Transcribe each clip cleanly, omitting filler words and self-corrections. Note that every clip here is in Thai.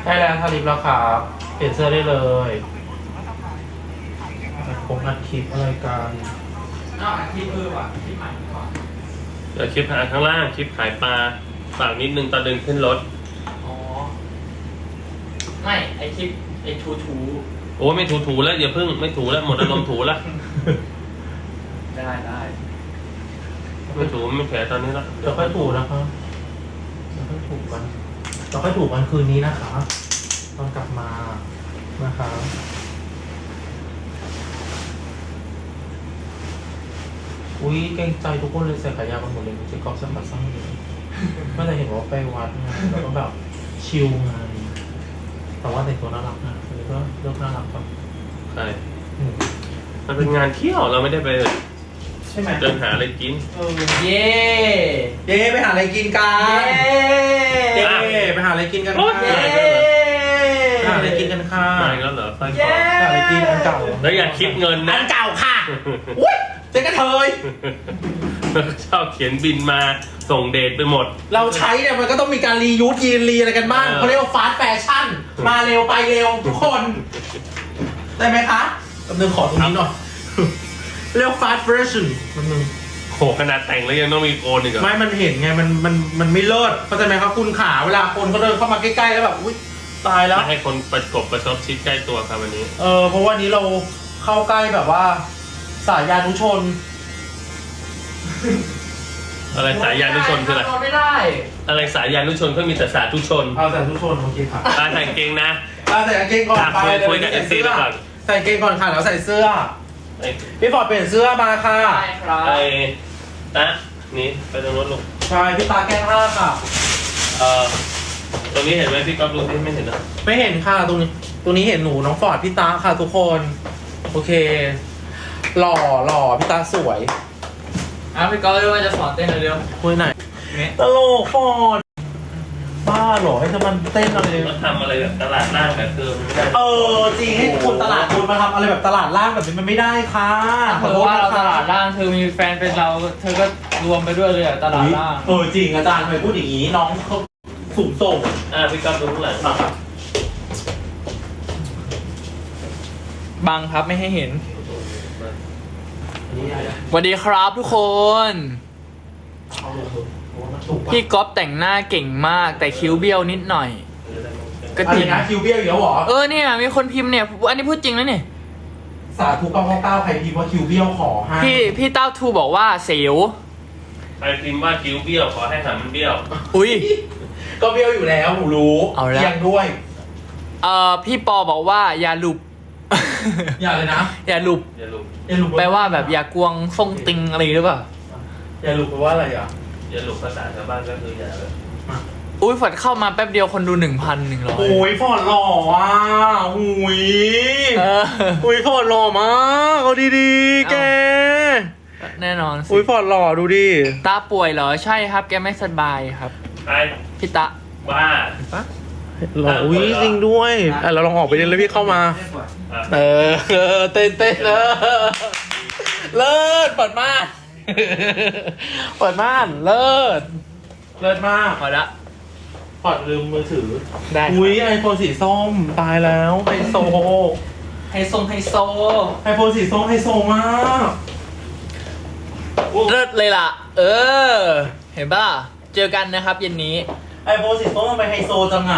ได้แล้วทาลิปแล้วครับเปลี่ยนเสื้อได้เลยผมอัดคลิปอะไรกันอัดคลิปว่ะคลิปใหม่ก่อนเดี๋ยวคลิปหาข้างล่างคลิปขายปลาฝากนิดนึงตอนเดินขึ้นรถอ๋อไม่ไอคลิปไอทูโอ้ไม่ถูแล้วอย่าเพิ่งไม่ถูแล้วหมดอารมณ์ถูแล้วได้ไม่ถูไม่แผลตอนนี้แล้วเดี๋ยวค่อยถูนะครับเดี๋ยวค่อยถูกันเราค่อยถูกันคืนนี้นะคะตอนกลับมานะคะอุ้ยเกรงใจทุกคนเลยใส่ขายาวกันหมดเลยเจ๊ก๊อฟใส่ขาสั้นเลยไม่ได้เห็นว่าไปวัดไงแล้วก็แบบชิลไงแต่ว่าแต่งตัวน่ารักนะอันนี้ก็เลือกน่ารักป่ะใช่มันเป็นงานเที่ยวเราไม่ได้ไปใช่ไหมเดินหาอะไรกินเย่ไปหาอะไรกินกันเย่ไปหาอะไรกินกันค่ะไปหาอะไรกินกันค่ะไม่แล้วเหรอไปหาอะไรกินอันเก่าแล้วอย่าคิดเงินนะอันเก่าค่ะอุ้ยเจ๊กระเทยชอบเขียนบินมาส่งเดทไปหมดเราใช้เนี่ยมันก็ต้องมีการรียูสยีนรีอะไรกันบ้างเขาเรียกว่าฟาสต์แฟชั่นมาเร็วไปเร็วทุกคนได้ไหมคะกำลังขอตรงนี้หน่อยเรียกฟาสต์แฟชั่นมันนึงโหขนาดแต่งแล้วยังต้องมีโกนอีกเหรอไม่มันเห็นไงมันไม่เลิศเข้าใจไหมครับคุณขาเวลาคนเขาเดินเข้ามาใกล้ๆแล้วแบบอุ้ยตายแล้วให้คนประชดชิดใกล้ตัวครับวันนี้เพราะว่านี้เราเข้าใกล้แบบว่าสายยานุชนอะไรสายยานุชนคืออะไรไม่ได้อะไรสายยานุชนก็มีแต่สาธุชนเอาสาธุชนโอเคค่ะใส่กางเกงนะใส่กางเกงก่อนไปคุยกับเอฟซีแล้วก่อนใส่กางเกงก่อนค่ะแล้วใส่เสื้อพี่ฟอร์ดเปลี่ยนเสื้อมาค่ะใช่ครับนะนี่ไปตรงนู้นลูกใช่พี่ตาแก้ผ้าค่ะตรงนี้เห็นไหมพี่ก๊อฟดูที่ไม่เห็นนะไม่เห็นค่ะตรงนี้เห็นหนูน้องฟอร์ดพี่ตาค่ะทุกคนโอเคหล่อพี่ตาสวยพี่ก๊อฟเลยว่าจะสอนเต้นเร็วๆคุยไหนตลกฟอร์ดบ้าหรอให้มันเต้นอะไรมาทำอะไรแบบตลาดล่างแบบเดิมไม่ได้จริงให้คนตลาดคนมาทำอะไรแบบตลาดล่างแบบนี้มันไม่ได้ค่ะเธอว่าเราตลาดล่างเธอมีแฟนเป็นเราเธอก็รวมไปด้วยเลยตลาดล่างจริงอาจารย์เคยพูดอย่างนี้น้องเขาสูงส่งพี่ก๊อฟดูข้างหลังมาบังครับไม่ให้เห็นสวัสดีครับทุกคนพี่ก๊อฟแต่งหน้าเก่งมากแต่คิ้วเบี้ยวนิดหน่อยก็จริงนะคิ้วเบี้ยวอยู่แล้วหรอเนี่ยมีคนพิมพ์เนี่ยอันนี้พูดจริงนะเนี่ยสาธุ999ใครพิมพ์ว่าคิ้วเบี้ยวขอให้พี่เต้าทูบอกว่าเสียวใครพิมพ์ว่าคิ้วเบี้ยวขอให้หางมันเบี้ยวอุ้ยก็เบี้ยวอยู่แล้วหนูรู้เอียงด้วยพี่ปอบอกว่าอย่าหลุบอย่าเลยนะอย่าหลุบแปลว่าแบบอย่ากวงทรงติงอะไรหรือเปล่าอย่าหลุบแปลว่าอะไรอย่าหลุบภาษาชาวบ้านก็คืออย่าเลยอุ้ยฝนเข้ามาแป๊บเดียวคนดู 1,100 โอ้ยฟอร์ดหล่ออ่ะอุ้ยฟอร์ดหล่อมากเอาดีๆแกแน่นอนอุ้ยฟอร์ดหล่อดูดิตาป่วยเหรอใช่ครับแกไม่สบายครับใครพี่ตาบ้าหล่ออุ้ยจริงด้วยเราลองออกไปเล่นแล้วพี่เข้ามาเต้นเลิศเปิดม่านเลิศมากพอละปอดลืมมือถือได้อุ้ยไอโฟนสีส้มตายแล้วไฮโซไฮโฟนสีส้มไฮโซมากเลิศเลยล่ะเห็นป่ะเจอกันนะครับเย็นนี้ไอโฟนสีส้มทำไมไฮโซจังอ่ะ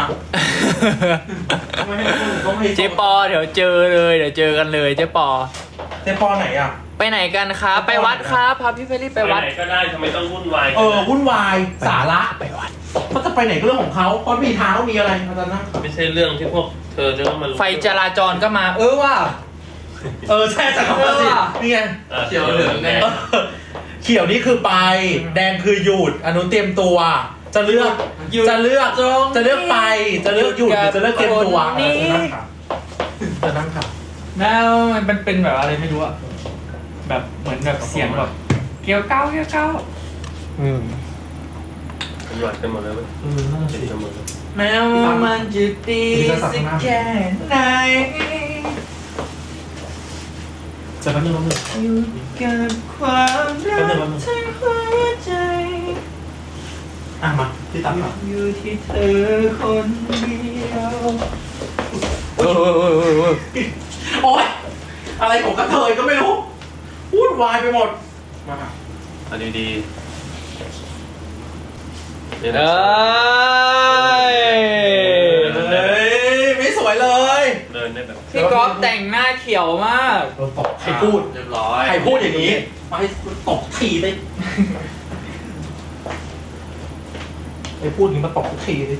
เจ๊ปอเดี๋ยวเจอกันเลยเจ๊ปอไหนอ่ะไปไหนกันครับไปวัดครับพาพี่เฟรรี่ไปวัดไหนก็ได้ทำไมต้องวุ่นวายวุ่นวายสาระไปวัดเขาจะไปไหนก็เรื่องของเขาเพราะมีทางมีอะไรอาจารย์นะไม่ใช่เรื่องที่พวกเธอจะต้องมาไฟจราจรก็มาว่าใช่จักรพรรดินี่ไงเขียวเหลืองแดงเขียวนี่คือไปแดงคือหยุดอนุเตรียมตัวจะเลือกไปจะเลือกหยุดหรือจะเลือกเตรียมตัวจะนั่งค่ะแล้วมันเป็นแบบอะไรไม่รู้อะแบบเหมือนแบบเสียงแบบเกี่ยวเก้าหยอดกันหมดเลยน่าจะดีกันหมดเลยแม้ว่ามันจะดีสักแค่ไหนจะมาอยู่กับความรักทั้งหัวใจมาพี่ตั๊กครับอยู่ที่เธอคนเดียวโอ้ยอะไรของกระเทยก็ไม่รู้วุ่นวายไปหมดมาเอาดีๆเนี่ยเอนะ้ยไม่สวยเลยเดินได้แบบพี่ก๊อฟแต่งหน้าเขียวมากโดนตบใครพูดเรียบร้อยใครพูดอย่างนี้มาให้ตบทีไปไอ้พูดอย่างนี้มาตบทุกทีเลย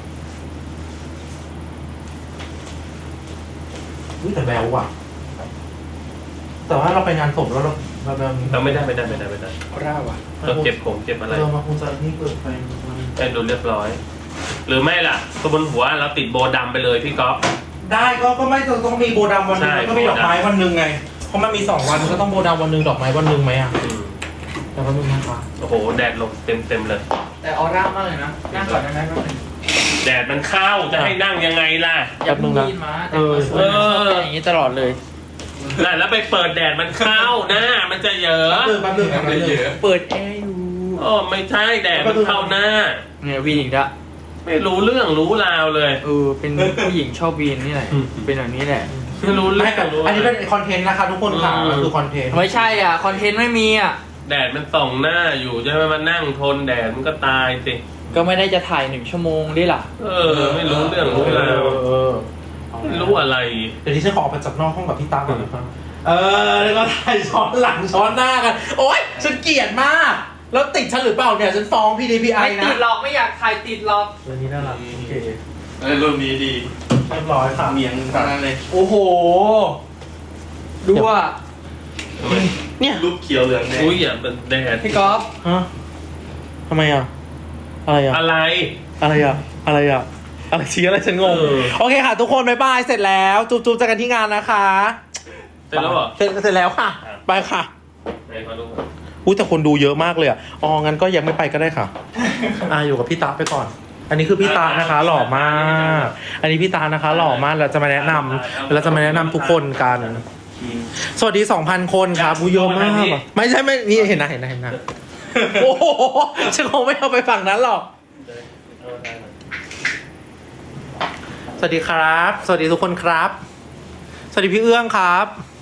อุ้ยแต่แบวว่ะ แต่ว่าเราไปงานศพแล้วเราแบบเราไม่ได้ไม่ได้ร่าว่ะเราเก็บผมเก็บอะไรเรามาคงจะนี่เปิดไฟมันให้ดูเรียบร้อย หรือไม่ล่ะตัวบนหัวเราติดโบดำไปเลยพี่ก๊อฟได้ก็ไม่ต้องมีโบดำวันหนึงใช่แล้วก็มีดอกไม้วันหนึงไง เพราะมันมี2 วันก็ต้องโบดำวันหนึงดอกไม้วันหนึงไหมอ่ะอืมแต่วันนึงนะคะโอ้โหแดดลงเต็มเลยแต่ออร่ามากเลยนะนั่งก่อนได้ไหมแป๊บนึงแดดมันเข้าจะให้นั่งยังไงล่ะอย่าเพิ่งยินมาแต่งตัวสวยนะชอบเป็นอย่างนี้ตลอดเลยน่ะแล้วไปเปิดแดดมันเข้าหน้ามันจะเหยอะแป๊บนึงเปิดแอร์อยู่โอ้ไม่ใช่แดดมันเข้าหน้าเนี่ยวีนอีกละไม่รู้เรื่องรู้ราวเลยเป็นผู้หญิงชอบวีนนี่แหละอืมเป็นแบบนี้แหละไม่รู้เรื่ไม่องแต่รู้อันนี้เป็นคอนเทนต์นะคะทุกคนค่ะมันคือคอนเทนต์ไม่ใช่อ่ะคอนเทนต์ไม่มีอ่ะแดดมันส่องหน้าอยู่จะให้มันนั่งทนแดดมันก็ตายสิก็ไม่ได้จะถ่าย1 ชั่วโมงดิล่ะไม่รู้เรื่องรู้ราวเอาไม่รู้อะไรเดี๋ยวที่ฉันขอออกไปจากนอกห้องกับพี่ตาก่อนนะครับแล้วก็ถ่ายช้อนหลังช้อนหน้ากัน โอ๊ยฉันเกลียดมาก แล้วติดฉันหรือเปล่าเนี่ยฉันฟ้อง PDPI ไม่นะติดหรอกไม่อยากถ่ายติดหรอกเรื่องนี้น่ารักโอเครูปนี้ดีเรียบร้อยค่ะเมียงทั้งนั้นเลยโอ้โห ดูอ่ะเนี่ยรูปเขียวเหลืองแดงอุ้ยอย่าเป็นแดดพี่ก๊อฟฮะทำไมอ่ะ อะไรอ่ะอะไรอะไรอ่ะ อะไรอ่ะ อะไรชี้อะไรฉันงง โอเคค่ะ ทุกคนบ๊ายบายเสร็จแล้ว จุ๊บๆเจอกันที่งานนะคะเสร็จแล้วเหรอเสร็จแล้วค่ะ ไปค่ะไหนขอดูอุ้ยแต่คนดูเยอะมากเลยอ่ะอ๋องั้นก็ยังไม่ไปก็ได้ค่ะ อยู่กับพี่ตาไปก่อน อันนี้คือพี่ตานะคะ หล่อมาก อันนี้พี่ตานะคะ หล่อมากเราจะมาแนะนำทุกคนกัน สวัสดี 2,000 คนครับอุ้ยเยอะมากอะไม่ใช่ไม่นี่เห็นนะโอ้โหฉันคงไม่เอาไปฝั่งนั้นหรอก สวัสดีครับ สวัสดีทุกคนครับ สวัสดีพี่เอื้องครับ